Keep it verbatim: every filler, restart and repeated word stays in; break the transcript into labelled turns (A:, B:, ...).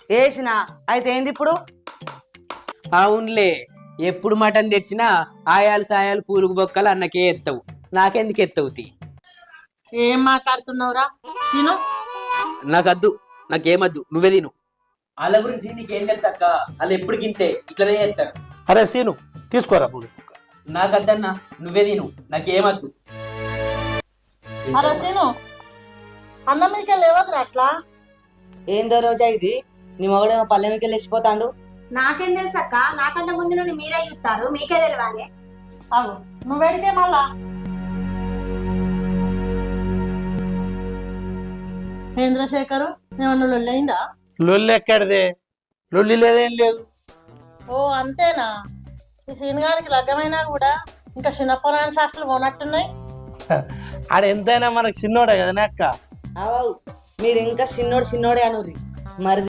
A: వేసిన అయితే ఏంది ఇప్పుడు?
B: అవునులే, ఎప్పుడు మటన్ తెచ్చినా ఆయాలు సాయాలు పూలుగు బొక్కలు అన్నకే ఎత్తవు, నాకెందుకు ఎత్తవు తీ.
C: ఏం మాట్లాడుతున్నావురా? నేను
B: నాకద్దు, నాకేమద్దు, నువ్వే తిను. వాళ్ళ గురించి నీకేం తెలుసు అక్క, వాళ్ళు ఎప్పుడు గింతే ఇట్లనే చేస్తారు.
D: అరే సీను తీసుకోరా పూలు.
B: నాకద్దన్నా, నువ్వే తిను, నాకేమద్దు.
C: అరే సీను, అన్న మీకు లేవద్దురా అట్లా.
A: ఏందో రోజా ఇది? నీ మొగడేమో పల్లెమికి లేచిపోతాడు.
E: నాకేం తెలుసు అక్క, నాకంటే ముందు నుండి మీరే చూస్తారు, మీకే తెలియాలి.
C: అవు నువ్వు వెడితే మళ్ళా చంద్రశేఖరు ఏమన్నా లొల్లయిందా?
D: లొల్లి ఎక్కడిదే? లొల్లి లేదేం లేదు.
C: ఓ అంతేనా? ఈ సీనుగానికి లగ్గమైనా కూడా ఇంకా చిన్నపురాణ శాస్త్రాలు పోనట్టున్నాయి.
D: ఆడ ఎంతైనా మనకు చిన్నోడే కదా అక్క.
A: అవు మీరు ఇంకా చిన్నోడు చిన్నోడే అనుర్రి మరి